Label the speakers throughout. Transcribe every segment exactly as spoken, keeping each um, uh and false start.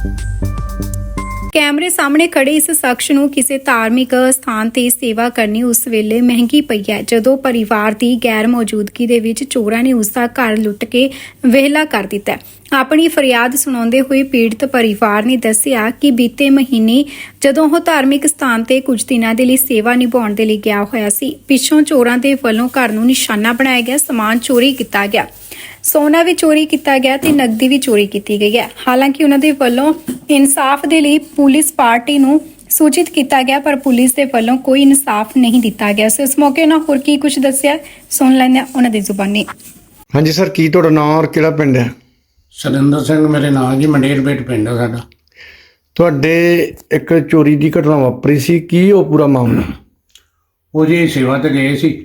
Speaker 1: ਕੈਮਰੇ ਸਾਹਮਣੇ ਖੜੇ ਇਸ ਸ਼ਖਸ ਨੂੰ ਕਿਸੇ ਧਾਰਮਿਕ ਸਥਾਨ ਤੇ ਸੇਵਾ ਕਰਨੀ ਉਸ ਵੇਲੇ ਮਹਿੰਗੀ ਪਈ ਹੈ, ਜਦੋਂ ਪਰਿਵਾਰ ਦੀ ਗੈਰ ਮੌਜੂਦਗੀ ਦੇ ਵਿੱਚ ਚੋਰਾਂ ਨੇ ਉਸ ਦਾ ਘਰ ਲੁੱਟ ਕੇ ਵਿਹਲਾ ਕਰ ਦਿੱਤਾ ਹੈ। ਆਪਣੀ ਫਰਿਆਦ ਸੁਣਾਉਂਦੇ ਹੋਏ ਪੀੜਤ ਪਰਿਵਾਰ ਨੇ ਦੱਸਿਆ ਕਿ ਬੀਤੇ ਮਹੀਨੇ ਜਦੋਂ ਉਹ ਧਾਰਮਿਕ ਸਥਾਨ ਤੇ ਕੁਝ ਦਿਨਾਂ ਦੇ ਲਈ ਸੇਵਾ ਨਿਭਾਉਣ ਦੇ ਲਈ ਗਿਆ ਹੋਇਆ ਸੀ, ਪਿੱਛੋਂ ਚੋਰਾਂ ਦੇ ਵੱਲੋਂ ਘਰ ਨੂੰ ਨਿਸ਼ਾਨਾ ਬਣਾਇਆ ਗਿਆ, ਸਮਾਨ ਚੋਰੀ ਕੀਤਾ ਗਿਆ, ਸੋਨਾ ਵੀ ਚੋਰੀ ਕੀਤਾ ਗਿਆ ਤੇ ਨਕਦੀ ਵੀ ਚੋਰੀ ਕੀਤੀ ਗਈ ਹੈ। ਹਾਲਾਂਕਿ ਉਹਨਾਂ ਦੇ ਵੱਲੋਂ ਇਨਸਾਫ ਦੇ ਲਈ ਪੁਲਿਸ ਪਾਰਟੀ ਨੂੰ ਸੂਚਿਤ ਕੀਤਾ ਗਿਆ, ਪਰ ਪੁਲਿਸ ਦੇ ਵੱਲੋਂ ਕੋਈ ਇਨਸਾਫ ਨਹੀਂ ਦਿੱਤਾ ਗਿਆ। ਸੋ ਇਸ ਮੌਕੇ ਉਹਨਾਂ ਹੋਰ ਕੀ ਕੁਝ ਦੱਸਿਆ, ਸੁਣ ਲੈਂਦੇ ਹਾਂ ਉਹਨਾਂ ਦੀ ਜ਼ੁਬਾਨੀ।
Speaker 2: ਹਾਂਜੀ ਸਰ, ਕੀ ਤੁਹਾਡਾ ਨਾਮ ਔਰ ਕਿਹੜਾ ਪਿੰਡ ਹੈ?
Speaker 3: ਸਰਿੰਦਰ ਸਿੰਘ ਮੇਰੇ ਨਾਮ ਜੀ, ਮੰਡੇਰ ਬੇਟ ਪਿੰਡ ਹੈ ਸਾਡਾ।
Speaker 2: ਤੁਹਾਡੇ ਇੱਕ ਚੋਰੀ ਦੀ ਘਟਨਾ ਵਾਪਰੀ ਸੀ, ਕੀ ਉਹ ਪੂਰਾ ਮਾਮਲਾ?
Speaker 3: ਉਹ ਜੀ ਸੇਵਾ ਤੇ ਗਏ ਸੀ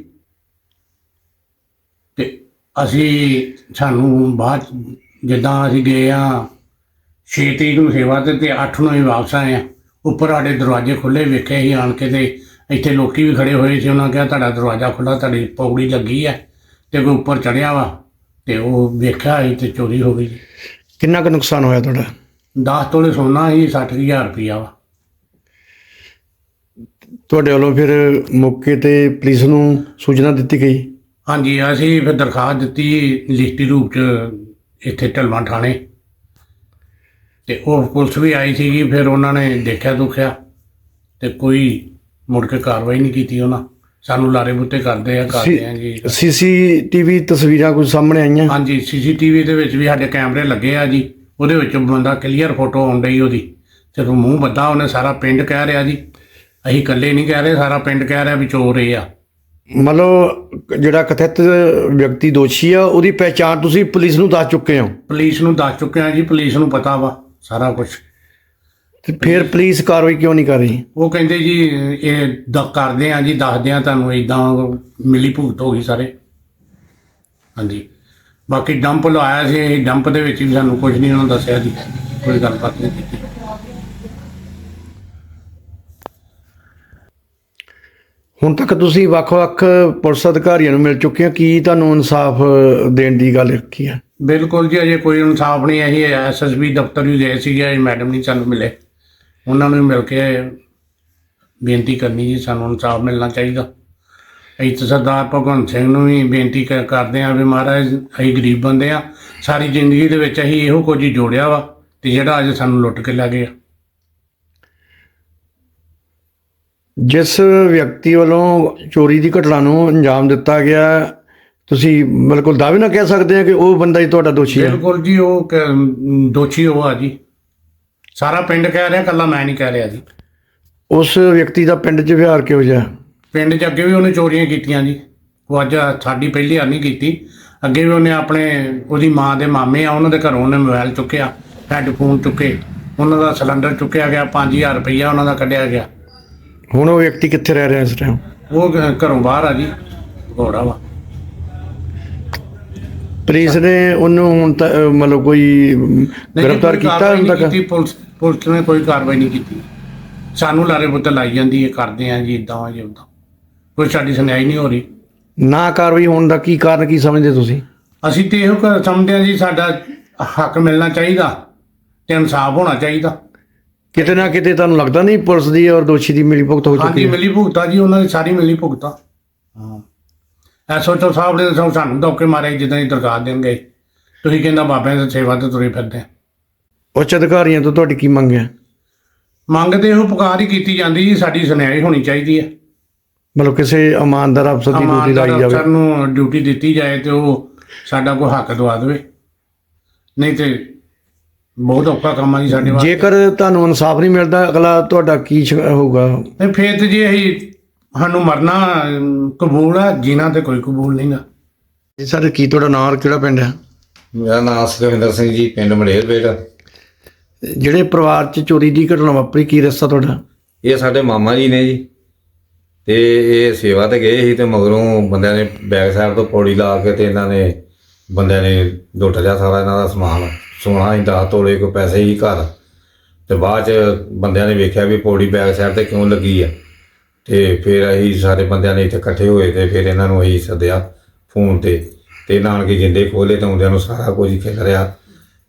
Speaker 3: ਤੇ ਅਸੀਂ ਸਾਨੂੰ ਬਾਅਦ ਜਿੱਦਾਂ ਅਸੀਂ ਗਏ ਆ ਛੇ ਤਰੀਕ ਨੂੰ ਸੇਵਾ ਤੇ ਤੇ ਅੱਠ ਨੂੰ ਹੀ ਵਾਪਸ ਆਏ ਆ। ਉੱਪਰ ਸਾਡੇ ਦਰਵਾਜ਼ੇ ਖੁੱਲ੍ਹੇ ਵੇਖੇ ਸੀ ਆਣ ਕੇ, ਤੇ ਇੱਥੇ ਲੋਕੀ ਵੀ ਖੜੇ ਹੋਏ ਸੀ। ਉਹਨਾਂ ਕਿਹਾ ਤੁਹਾਡਾ ਦਰਵਾਜ਼ਾ ਖੁੱਲ੍ਹਾ, ਤੁਹਾਡੀ ਪੌੜੀ ਲੱਗੀ ਹੈ, ਤੇ ਕੋਈ ਉੱਪਰ ਚੜ੍ਹਿਆ ਵਾ, ਤੇ ਉਹ ਵੇਖਿਆ ਸੀ ਤੇ ਚੋਰੀ ਹੋ ਗਈ।
Speaker 2: ਕਿੰਨਾ ਕੁ ਨੁਕਸਾਨ ਹੋਇਆ ਤੁਹਾਡਾ?
Speaker 3: ਦਸ ਤੋਲੇ ਸੋਨਾ ਸੀ, ਸੱਠ ਹਜ਼ਾਰ ਰੁਪਈਆ ਵਾ।
Speaker 2: ਤੁਹਾਡੇ ਵੱਲੋਂ ਫਿਰ ਮੌਕੇ ਤੇ ਪੁਲਿਸ ਨੂੰ ਸੂਚਨਾ ਦਿੱਤੀ ਗਈ?
Speaker 3: ਹਾਂਜੀ, ਅਸੀਂ ਫਿਰ ਦਰਖਾਸਤ ਦਿੱਤੀ ਲਿਖਤੀ ਰੂਪ 'ਚ ਇੱਥੇ ਢਲਵਾਂ ਥਾਣੇ, ਤੇ ਉਹ ਪੁਲਿਸ ਵੀ ਆਈ ਸੀਗੀ। ਫਿਰ ਉਹਨਾਂ ਨੇ ਦੇਖਿਆ ਦੁਖਿਆ ਤੇ ਕੋਈ ਮੁੜ ਕੇ ਕਾਰਵਾਈ ਨਹੀਂ ਕੀਤੀ। ਉਹਨਾਂ ਸਾਨੂੰ ਲਾਰੇ ਬੁੱਤੇ ਕਰਦੇ ਆ ਕਰਦੇ ਆ ਜੀ।
Speaker 2: ਸੀਸੀਟੀਵੀ ਤਸਵੀਰਾਂ ਕੁਝ ਸਾਹਮਣੇ ਆਈਆਂ?
Speaker 3: ਹਾਂਜੀ, ਸੀਸੀਟੀਵੀ ਦੇ ਵਿੱਚ ਵੀ ਸਾਡੇ ਕੈਮਰੇ ਲੱਗੇ ਆ ਜੀ। ਉਹਦੇ ਵਿੱਚ ਬੰਦਾ ਕਲੀਅਰ ਫੋਟੋ ਆਉਣ ਡਈ ਉਹਦੀ, ਜਦੋਂ ਮੂੰਹ ਬੱਧਾ ਉਹਨੇ। ਸਾਰਾ ਪਿੰਡ ਕਹਿ ਰਿਹਾ ਜੀ, ਅਸੀਂ ਇਕੱਲੇ ਨਹੀਂ ਕਹਿ ਰਹੇ, ਸਾਰਾ ਪਿੰਡ ਕਹਿ ਰਿਹਾ ਵੀ ਚੋਰ ਇਹ ਆ।
Speaker 2: ਮਤਲਬ ਜਿਹੜਾ ਕਥਿਤ ਵਿਅਕਤੀ ਦੋਸ਼ੀ ਆ, ਉਹਦੀ ਪਹਿਚਾਣ ਤੁਸੀਂ ਪੁਲਿਸ ਨੂੰ ਦੱਸ ਚੁੱਕੇ ਹੋ?
Speaker 3: ਪੁਲਿਸ ਨੂੰ ਦੱਸ ਚੁੱਕੇ ਆ ਜੀ, ਪੁਲਿਸ ਨੂੰ ਪਤਾ ਵਾ ਸਾਰਾ ਕੁਝ।
Speaker 2: ਤੇ ਫਿਰ ਪੁਲਿਸ ਕਾਰਵਾਈ ਕਿਉਂ ਨਹੀਂ ਕਰ ਰਹੀ?
Speaker 3: ਉਹ ਕਹਿੰਦੇ ਜੀ ਇਹ ਦ ਕਰਦੇ ਆ ਜੀ, ਦੱਸਦੇ ਆ ਤੁਹਾਨੂੰ, ਇੱਦਾਂ ਮਿਲੀ ਭੁਗਤ ਹੋ ਗਈ ਸਾਰੇ। ਹਾਂਜੀ, ਬਾਕੀ ਡੰਪ ਲਵਾਇਆ ਸੀ, ਇਹ ਡੰਪ ਦੇ ਵਿੱਚ ਵੀ ਸਾਨੂੰ ਕੁਝ ਨਹੀਂ ਉਹਨਾਂ ਦੱਸਿਆ ਜੀ, ਕੋਈ ਗੱਲਬਾਤ ਨਹੀਂ ਕੀਤੀ।
Speaker 2: ਹੁਣ ਤੱਕ ਤੁਸੀਂ ਵੱਖ-ਵੱਖ ਪੁਲਿਸ ਅਧਿਕਾਰੀਆਂ ਨੂੰ ਮਿਲ ਚੁੱਕੇ ਹੋ, ਕੀ ਤੁਹਾਨੂੰ ਇਨਸਾਫ ਦੇਣ ਦੀ ਗੱਲ ਰੱਖੀ ਹੈ?
Speaker 3: ਬਿਲਕੁਲ ਜੀ, ਅਜੇ ਕੋਈ ਇਨਸਾਫ ਨਹੀਂ। ਅਸੀਂ ਐਸ ਐਸ ਬੀ ਦਫ਼ਤਰ ਵੀ ਗਏ ਸੀਗੇ, ਮੈਡਮ ਨਹੀਂ ਸਾਨੂੰ ਮਿਲੇ। ਉਹਨਾਂ ਨੂੰ ਮਿਲ ਕੇ ਬੇਨਤੀ ਕਰਨੀ ਜੀ, ਸਾਨੂੰ ਇਨਸਾਫ ਮਿਲਣਾ ਚਾਹੀਦਾ। ਅਸੀਂ ਤਾਂ ਸਰਦਾਰ ਭਗਵੰਤ ਸਿੰਘ ਨੂੰ ਵੀ ਬੇਨਤੀ ਕ ਕਰਦੇ ਹਾਂ ਵੀ ਮਹਾਰਾਜ, ਅਸੀਂ ਗਰੀਬ ਬੰਦੇ ਹਾਂ, ਸਾਰੀ ਜ਼ਿੰਦਗੀ ਦੇ ਵਿੱਚ ਅਸੀਂ ਇਹੋ ਕੁਝ ਹੀ ਜੋੜਿਆ ਵਾ, ਤੇ ਜਿਹੜਾ ਅੱਜ ਸਾਨੂੰ ਲੁੱਟ ਕੇ ਲੈ ਗਏ।
Speaker 2: ਜਿਸ ਵਿਅਕਤੀ ਵੱਲੋਂ ਚੋਰੀ ਦੀ ਘਟਨਾ ਨੂੰ ਅੰਜਾਮ ਦਿੱਤਾ ਗਿਆ, ਤੁਸੀਂ ਬਿਲਕੁਲ ਦਾਅਵੇ ਨਾਲ ਕਹਿ ਸਕਦੇ ਆ ਕਿ ਉਹ ਬੰਦਾ ਹੀ ਤੁਹਾਡਾ ਦੋਸ਼ੀ ਹੈ?
Speaker 3: ਬਿਲਕੁਲ ਜੀ, ਉਹ ਕ- ਦੋਸ਼ੀ ਉਹ ਆ ਜੀ। ਸਾਰਾ ਪਿੰਡ ਕਹਿ ਰਿਹਾ, ਇਕੱਲਾ ਮੈਂ ਨਹੀਂ ਕਹਿ ਰਿਹਾ ਜੀ।
Speaker 2: ਉਸ ਵਿਅਕਤੀ ਦਾ ਪਿੰਡ 'ਚ ਵਿਹਾਰ ਕਿਹੋ ਜਿਹਾ? ਪਿੰਡ
Speaker 3: 'ਚ ਅੱਗੇ ਵੀ ਉਹਨੇ ਚੋਰੀਆਂ ਕੀਤੀਆਂ ਜੀ। ਉਹ ਅੱਜ ਸਾਡੀ ਪਹਿਲੀ ਵਾਰ ਨਹੀਂ ਕੀਤੀ, ਅੱਗੇ ਵੀ ਉਹਨੇ ਆਪਣੇ ਉਹਦੀ ਮਾਂ ਦੇ ਮਾਮੇ ਆ, ਉਹਨਾਂ ਦੇ ਘਰੋਂ ਉਹਨੇ ਮੋਬਾਈਲ ਚੁੱਕਿਆ, ਹੈੱਡਫੋਨ ਚੁੱਕੇ, ਉਹਨਾਂ ਦਾ ਸਿਲੰਡਰ ਚੁੱਕਿਆ ਗਿਆ, ਪੰਜ ਹਜ਼ਾਰ ਰੁਪਈਆ ਉਹਨਾਂ ਦਾ ਕੱਢਿਆ ਗਿਆ।
Speaker 2: ਹੁਣ ਉਹ ਵਿਅਕਤੀ ਕਿੱਥੇ ਰਹਿ ਰਿਹਾ ਇਸ ਟਾਈਮ?
Speaker 3: ਉਹ ਘ- ਘਰੋਂ ਬਾਹਰ ਆ ਜੀ, ਘੋੜਾ ਵਾ।
Speaker 2: ਪੁਲਿਸ ਨੇ ਉਹਨੂੰ ਹੁਣ ਤੱਕ ਮਤਲਬ ਕੋਈ
Speaker 3: ਨਹੀਂ ਜੀ,
Speaker 2: ਗ੍ਰਿਫਤਾਰ
Speaker 3: ਕੋਈ
Speaker 2: ਕੀਤਾ
Speaker 3: ਕਾਰਵਾਈ
Speaker 2: ਹੁਣ
Speaker 3: ਨਹੀਂ
Speaker 2: ਤੱਕ?
Speaker 3: ਕੀਤੀ ਪੁਲਿਸ ਪੁਲਿਸ ਨੇ ਕੋਈ ਕਾਰਵਾਈ ਨਹੀਂ ਕੀਤੀ। ਸਾਨੂੰ ਲਾਰੇ ਬੁੱਤੇ ਲਾਈ ਜਾਂਦੀ ਹੈ, ਕਰਦੇ ਆ ਜੀ ਇੱਦਾਂ ਜੀ ਉੱਦਾਂ, ਕੋਈ ਸਾਡੀ ਸੁਣਾਈ ਨਹੀਂ ਹੋ ਰਹੀ।
Speaker 2: ਨਾ ਕਾਰਵਾਈ ਹੋਣ ਦਾ ਕੀ ਕਾਰਨ ਕੀ ਸਮਝਦੇ ਤੁਸੀਂ?
Speaker 3: ਅਸੀਂ ਤੇ ਇਹੋ ਕ- ਸਮਝਦੇ ਹਾਂ ਜੀ, ਸਾਡਾ ਹੱਕ ਮਿਲਣਾ ਚਾਹੀਦਾ ਤੇ ਇਨਸਾਫ ਹੋਣਾ ਚਾਹੀਦਾ।
Speaker 2: ਕਿਤੇ ਨਾ ਕਿਤੇ ਤੁਹਾਨੂੰ ਲੱਗਦਾ ਨਹੀਂ ਪੁਲਿਸ ਦੀ ਔਰ ਦੋਸ਼ੀ ਦੀ ਮਿਲੀ ਭੁਗਤ ਹੋ
Speaker 3: ਹਾਂਜੀ,
Speaker 2: ਚੁੱਕੀ ਹੈ?
Speaker 3: ਮਿਲੀ ਭੁਗਤਾ ਜੀ, ਉਹਨਾਂ ਦੀ ਸਾਰੀ ਮਿਲੀ ਭੁਗਤਾ। ਹਾਂ, ਐਸ ਓ ਸਾਹਿਬ ਨੇ ਸਾਨੂੰ ਸਾਨੂੰ ਧੋਕੇ ਮਾਰੇ, ਜਿੱਦਾਂ ਹੀ ਦਰਖਾਸਤ ਦੇਣ ਗਏ। ਤੁਸੀਂ ਕਹਿੰਦਾ ਬਾਬਿਆਂ ਦੀ ਸੇਵਾ ਤੇ ਤੁਰੇ ਫਿਰਦੇ।
Speaker 2: ਉੱਚ ਅਧਿਕਾਰੀਆਂ ਤੋਂ ਤੁਹਾਡੀ ਕੀ ਮੰਗ ਹੈ?
Speaker 3: ਮੰਗ ਤੇ ਇਹੋ ਪੁਕਾਰ ਹੀ ਕੀਤੀ ਜਾਂਦੀ ਜੀ, ਸਾਡੀ ਸੁਣਾਈ ਹੋਣੀ ਚਾਹੀਦੀ ਹੈ।
Speaker 2: ਮਤਲਬ ਕਿਸੇ ਇਮਾਨਦਾਰ ਅਫਸਰ ਦੀ ਡਿਊਟੀ
Speaker 3: ਇਮਾਨਦਾਰ
Speaker 2: ਲਾਈ ਜਾਵੇ?
Speaker 3: ਅਫਸਰ ਨੂੰ ਡਿਊਟੀ ਦਿੱਤੀ ਜਾਏ ਤੇ ਉਹ ਸਾਡਾ ਕੋਈ ਹੱਕ ਦਵਾ ਦੇਵੇ, ਨਹੀਂ ਤੇ ਬਹੁਤ ਔਖਾ ਕੰਮ ਆ ਜੀ ਸਾਡੇ ਵਾਸਤੇ।
Speaker 2: ਜੇਕਰ ਤੁਹਾਨੂੰ ਇਨਸਾਫ ਨਹੀਂ ਮਿਲਦਾ, ਅਗਲਾ ਤੁਹਾਡਾ ਕੀ ਸ਼- ਹੋਊਗਾ?
Speaker 3: ਤੇ ਫਿਰ ਤੇ ਜੀ ਅਸੀਂ ਸਾਨੂੰ ਮਰਨਾ ਅਮ, ਕਬੂਲ ਆ, ਜੀਣਾ ਤੇ ਕੋਈ ਕਬੂਲ ਨਹੀਂਗਾ।
Speaker 2: ਜੀ ਸਰ, ਕੀ ਤੁਹਾਡਾ ਨਾਂ ਔਰ ਕਿਹੜਾ ਪਿੰਡ ਹੈ?
Speaker 4: ਮੇਰਾ ਨਾਮ ਸੁਖਵਿੰਦਰ ਸਿੰਘ ਜੀ, ਪਿੰਡ ਮੰਡੇਰ ਬੇਟ।
Speaker 2: ਜਿਹੜੇ ਪਰਿਵਾਰ 'ਚ ਚੋਰੀ ਦੀ ਘਟਨਾ ਵਾਪਰੀ, ਕੀ ਰਸਤਾ ਤੁਹਾਡਾ?
Speaker 4: ਇਹ ਸਾਡੇ ਮਾਮਾ ਜੀ ਨੇ ਜੀ, ਤੇ ਇਹ ਸੇਵਾ ਤੇ ਗਏ ਸੀ, ਤੇ ਮਗਰੋਂ ਬੰਦਿਆਂ ਨੇ ਬੈਕ ਸਾਈਡ ਤੋਂ ਪੌੜੀ ਲਾ ਕੇ ਤੇ ਇਹਨਾਂ ਨੇ ਬੰਦਿਆਂ ਨੇ ਲੁੱਟ ਲਿਆ ਸਾਰਾ ਇਹਨਾਂ ਦਾ ਸਮਾਨ। ਸੋਨਾ ਹੀ ਦਸ ਤੋਲੇ, ਕੋਈ ਪੈਸੇ ਹੀ ਘਰ। ਤੇ ਬਾਅਦ 'ਚ ਬੰਦਿਆਂ ਨੇ ਵੇਖਿਆ ਵੀ ਪੌੜੀ ਬੈਕ ਸਾਈਡ ਤੇ ਕਿਉਂ ਲੱਗੀ ਆ, ਤੇ ਫਿਰ ਅਸੀਂ ਸਾਰੇ ਬੰਦਿਆਂ ਨੇ ਇੱਥੇ ਇਕੱਠੇ ਹੋਏ, ਤੇ ਫਿਰ ਇਹਨਾਂ ਨੂੰ ਅਸੀਂ ਸੱਦਿਆ ਫੋਨ ਤੇ, ਤੇ ਨਾਨਕੇ ਜਿੰਦੇ ਖੋਲੇ ਤਾਂ ਆਉਂਦਿਆਂ ਨੂੰ ਸਾਰਾ ਕੁਝ ਹੀ ਖਿਲ ਰਿਹਾ।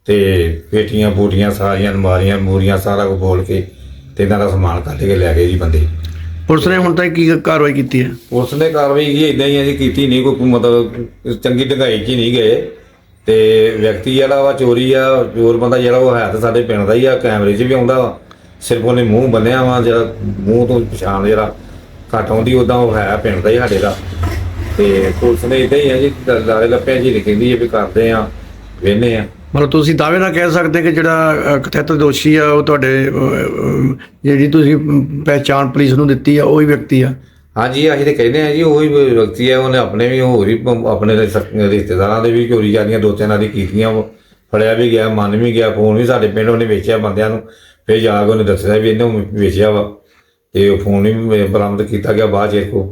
Speaker 4: ਤੇ ਪੇਟੀਆਂ ਪੂਟੀਆਂ ਸਾਰੀਆਂ ਅਲਮਾਰੀਆਂ ਮੂਰੀਆਂ ਸਾਰਾ ਕੁਝ ਬੋਲ ਕੇ ਤੇ ਇਹਨਾਂ ਦਾ ਸਮਾਨ ਕੱਢ ਕੇ ਲੈ ਗਏ ਜੀ ਬੰਦੇ।
Speaker 2: ਪੁਲਿਸ ਨੇ ਹੁਣ ਤੱਕ ਕੀ ਕਾਰਵਾਈ ਕੀਤੀ ਹੈ?
Speaker 4: ਪੁਲਿਸ ਨੇ ਕਾਰਵਾਈ ਕੀ ਇਦਾਂ ਹੀ ਹੈ ਜੀ, ਕੀਤੀ ਨਹੀਂ ਕੋਈ ਮਤਲਬ ਚੰਗੀ ਢੰਗਾਈ 'ਚ ਹੀ ਨਹੀਂ ਗਏ। ਤੇ ਵਿਅਕਤੀ ਜਿਹੜਾ ਵਾ ਚੋਰੀ ਆ, ਚੋਰ ਬੰਦਾ ਜਿਹੜਾ ਉਹ ਹੈ ਤਾਂ ਸਾਡੇ ਪਿੰਡ ਦਾ ਹੀ ਆ, ਕੈਮਰੇ 'ਚ ਵੀ ਆਉਂਦਾ ਵਾ। ਸਿਰਫ ਉਹਨੇ ਮੂੰਹ ਬੰਨਿਆ ਵਾ, ਜਿਹੜਾ ਮੂੰਹ ਤੋਂ ਪਛਾਣ ਜਿਹੜਾ ਘੱਟ ਆਉਂਦੀ, ਉੱਦਾਂ ਉਹ ਹੈ ਪਿੰਡ ਦਾ ਹੀ ਸਾਡੇ ਦਾ। ਤੇ ਪੁਲਿਸ ਨੇ ਇਦਾਂ ਹੀ ਹੈ ਜੀ, ਲਾਲੇ ਲੱਪਿਆਂ ਜੀ ਕਹਿੰਦੀ ਹੈ ਵੀ ਕਰਦੇ ਆ, ਵੇਹਨੇ ਆ।
Speaker 2: ਮਤਲਬ ਤੁਸੀਂ ਦਾਅਵੇ ਨਾਲ ਕਹਿ ਸਕਦੇ ਕਿ ਜਿਹੜਾ ਕਥਿਤ ਦੋਸ਼ੀ ਆ ਉਹ ਤੁਹਾਡੇ ਅਹ, ਅਹ, ਜਿਹੜੀ ਤੁਸੀਂ ਪਹਿਚਾਣ ਪੁਲਿਸ ਨੂੰ ਦਿੱਤੀ ਆ ਉਹੀ ਵਿਅਕਤੀ ਆ?
Speaker 4: ਹਾਂਜੀ, ਅਸੀਂ ਤੇ ਕਹਿੰਦੇ ਆ ਜੀ ਉਹੀ ਵਿਅਕਤੀ ਹੈ। ਉਹਨੇ ਆਪਣੇ ਵੀ ਹੋਰ ਵੀ ਪ- ਆਪਣੇ ਰਿਸ਼ਤ- ਰਿਸ਼ਤੇਦਾਰਾਂ ਦੇ ਵੀ ਚੋਰੀ ਜਾਂਦੀਆਂ ਦੋ ਤਿੰਨਾਂ ਦੀ ਕੀਤੀਆਂ। ਉਹ ਫੜਿਆ ਵੀ ਗਿਆ, ਮੰਨ ਵੀ ਗਿਆ। ਫੋਨ ਵੀ ਸਾਡੇ ਪਿੰਡ ਉਹਨੇ ਵੇਚਿਆ ਬੰਦਿਆਂ ਨੂੰ, ਫਿਰ ਜਾ ਕੇ ਉਹਨੇ ਦੱਸਿਆ ਵੀ ਇਹਨੇ ਵੇਚਿਆ ਵਾ, ਤੇ ਉਹ ਫੋਨ ਵੀ ਬਰਾਮਦ ਕੀਤਾ ਗਿਆ ਬਾਅਦ 'ਚ। ਕੋ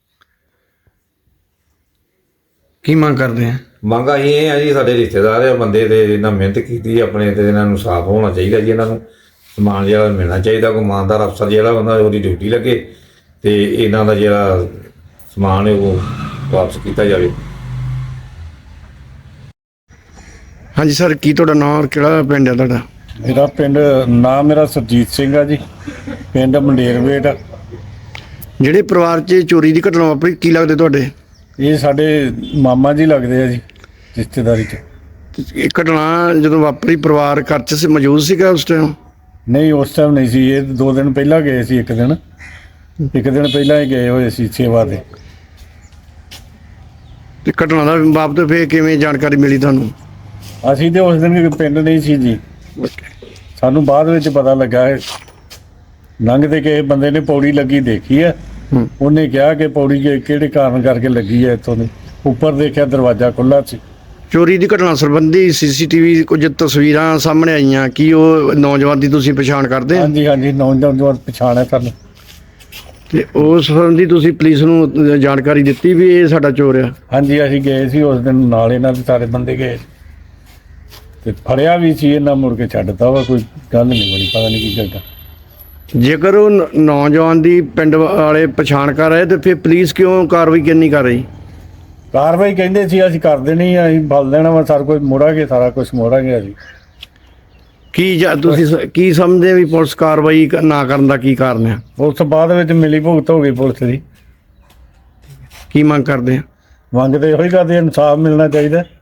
Speaker 2: ਕੀ ਮੰਗ ਕਰਦੇ ਆ?
Speaker 4: ਮੰਗ ਅਸੀਂ ਇਹ ਆ ਜੀ, ਸਾਡੇ ਰਿਸ਼ਤੇਦਾਰ ਆ ਬੰਦੇ ਤੇ ਇਹਨਾਂ ਮਿਹਨਤ ਕੀਤੀ ਆਪਣੇ, ਤੇ ਇਹਨਾਂ ਨੂੰ ਸਾਫ਼ ਹੋਣਾ ਚਾਹੀਦਾ ਜੀ। ਇਹਨਾਂ ਨੂੰ ਸਮਾਨ ਜਿਹੜਾ ਮਿਲਣਾ ਚਾਹੀਦਾ। ਕੋਈ ਇਮਾਨਦਾਰ ਅਫਸਰ ਜਿਹੜਾ ਹੁੰਦਾ ਉਹਦੀ ਡਿਊਟੀ ਲੱਗੇ ਤੇ ਇਹਨਾਂ ਦਾ ਜਿਹੜਾ ਸਮਾਨ ਹੈ ਉਹ ਵਾਪਸ ਕੀਤਾ ਜਾਵੇ।
Speaker 2: ਹਾਂਜੀ ਸਰ, ਕੀ ਤੁਹਾਡਾ ਨਾਮ ਔਰ ਕਿਹੜਾ ਪਿੰਡ ਹੈ ਤੁਹਾਡਾ?
Speaker 5: ਮੇਰਾ ਪਿੰਡ ਨਾਮ ਮੇਰਾ ਸਰਜੀਤ ਸਿੰਘ ਆ ਜੀ, ਪਿੰਡ ਮੰਡੇਰਵੇਟ।
Speaker 2: ਜਿਹੜੇ ਪਰਿਵਾਰ 'ਚ ਚੋਰੀ ਦੀ ਘਟਨਾ ਵਾਪਰੀ, ਕੀ ਲੱਗਦੇ ਤੁਹਾਡੇ?
Speaker 5: ਇਹ ਸਾਡੇ ਮਾਮਾ ਜੀ ਲੱਗਦੇ ਆ ਜੀ, ਰਿਸ਼ਤੇਦਾਰੀ 'ਚ।
Speaker 2: ਇਹ ਘਟਨਾ ਜਦੋਂ ਵਾਪਰੀ ਪਰਿਵਾਰ ਘਰ 'ਚ ਸੀ, ਮੌਜੂਦ ਸੀਗਾ ਉਸ ਟਾਈਮ?
Speaker 5: ਨਹੀਂ, ਉਸ ਟਾਈਮ ਨਹੀਂ ਸੀ। ਇਹ ਦੋ ਦਿਨ ਪਹਿਲਾਂ ਗਏ ਸੀ, ਇੱਕ ਦਿਨ ਇੱਕ ਦਿਨ ਪਹਿਲਾਂ ਹੀ ਗਏ ਹੋਏ ਸੀ ਸੇਵਾ ਤੇ।
Speaker 2: ਤੇ ਘਟਨਾ ਦਾ ਬਾਬਤ ਫਿਰ ਕਿਵੇਂ ਜਾਣਕਾਰੀ ਮਿਲੀ ਤੁਹਾਨੂੰ?
Speaker 5: ਅਸੀਂ ਤੇ ਉਸ ਦਿਨ ਪਿੰਡ ਨਹੀਂ ਸੀ ਜੀ, ਸਾਨੂੰ ਬਾਅਦ ਵਿੱਚ ਪਤਾ ਲੱਗਾ ਹੈ। ਲੰਘਦੇ ਕਿਸੇ ਬੰਦੇ ਨੇ ਪੌੜੀ ਲੱਗੀ ਦੇਖੀ ਹੈ।
Speaker 2: ਹੂੰ।
Speaker 5: ਉਹਨੇ ਕਿਹਾ ਕਿ ਪੌੜੀ ਕਿ- ਕਿਹੜੇ ਕਾਰਨ ਕਰਕੇ ਲੱਗੀ ਹੈ। ਇੱਥੋਂ ਦੀ ਉੱਪਰ ਦੇਖਿਆ ਦਰਵਾਜ਼ਾ ਖੁੱਲ੍ਹਾ ਸੀ।
Speaker 2: ਚੋਰੀ ਦੀ ਘਟਨਾ ਸੰਬੰਧੀ ਸੀਸੀਟੀਵੀ ਕੁਝ ਤਸਵੀਰਾਂ ਸਾਹਮਣੇ ਆਈਆਂ, ਕੀ ਉਹ ਨੌਜਵਾਨ ਦੀ ਤੁਸੀਂ ਪਛਾਣ ਕਰਦੇ ਆ?
Speaker 5: ਹਾਂਜੀ ਹਾਂਜੀ, ਨੌਜਵਾਨ ਪਛਾਣ ਹੈ ਸਾਨੂੰ।
Speaker 2: ਤੇ ਉਸ ਸੰਬੰਧੀ ਤੁਸੀਂ ਪੁਲਿਸ ਨੂੰ ਜਾਣਕਾਰੀ ਦਿੱਤੀ ਵੀ ਇਹ ਸਾਡਾ ਚੋਰ ਆ?
Speaker 5: ਹਾਂਜੀ, ਅਸੀਂ ਗਏ ਸੀ ਉਸ ਦਿਨ, ਨਾਲ ਇਹਨਾਂ ਦੇ ਸਾਰੇ ਬੰਦੇ ਗਏ ਤੇ ਫੜਿਆ ਵੀ ਸੀ। ਇਹਨਾਂ ਮੁੜ ਕੇ ਛੱਡਤਾ ਵਾ, ਕੋਈ ਗੱਲ ਨਹੀਂ ਬਣੀ, ਪਤਾ ਨਹੀਂ ਕੀ ਕਰਦਾ।
Speaker 2: ਜੇਕਰ ਉਹ ਨ- ਨੌਜਵਾਨ ਦੀ ਪਿੰਡ ਵਾਲੇ ਪਛਾਣ ਕਰ ਰਹੇ ਤੇ ਫਿਰ ਪੁਲਿਸ ਕਿਉਂ ਕਾਰਵਾਈ ਕਿਉਂ ਨਹੀਂ ਕਰ ਰਹੀ?
Speaker 5: ਕਾਰਵਾਈ ਕਹਿੰਦੇ ਸੀ ਅਸੀਂ ਕਰ ਦੇਣੀ ਆ, ਅਸੀਂ ਬਲ ਦੇਣਾ ਵਾ, ਸਾਰਾ ਕੁਝ ਮੋੜਾਂਗੇ, ਸਾਰਾ ਕੁਝ ਮੋੜਾਂਗੇ ਅਸੀਂ।
Speaker 2: ਕੀ ਜਾਂ ਤੁਸੀਂ ਸ- ਕੀ ਸਮਝਦੇ ਵੀ ਪੁਲਿਸ ਕਾਰਵਾਈ ਕ- ਨਾ ਕਰਨ ਦਾ ਕੀ ਕਾਰਨ ਹੈ?
Speaker 5: ਉਸ ਤੋਂ ਬਾਅਦ ਵਿੱਚ ਮਿਲੀ ਭੁਗਤ ਹੋ ਗਈ ਪੁਲਿਸ ਦੀ।
Speaker 2: ਕੀ ਮੰਗ ਕਰਦੇ ਆ?
Speaker 5: ਮੰਗਦੇ ਇਹੋ ਹੀ ਕਰਦੇ, ਇਨਸਾਫ ਮਿਲਣਾ ਚਾਹੀਦਾ।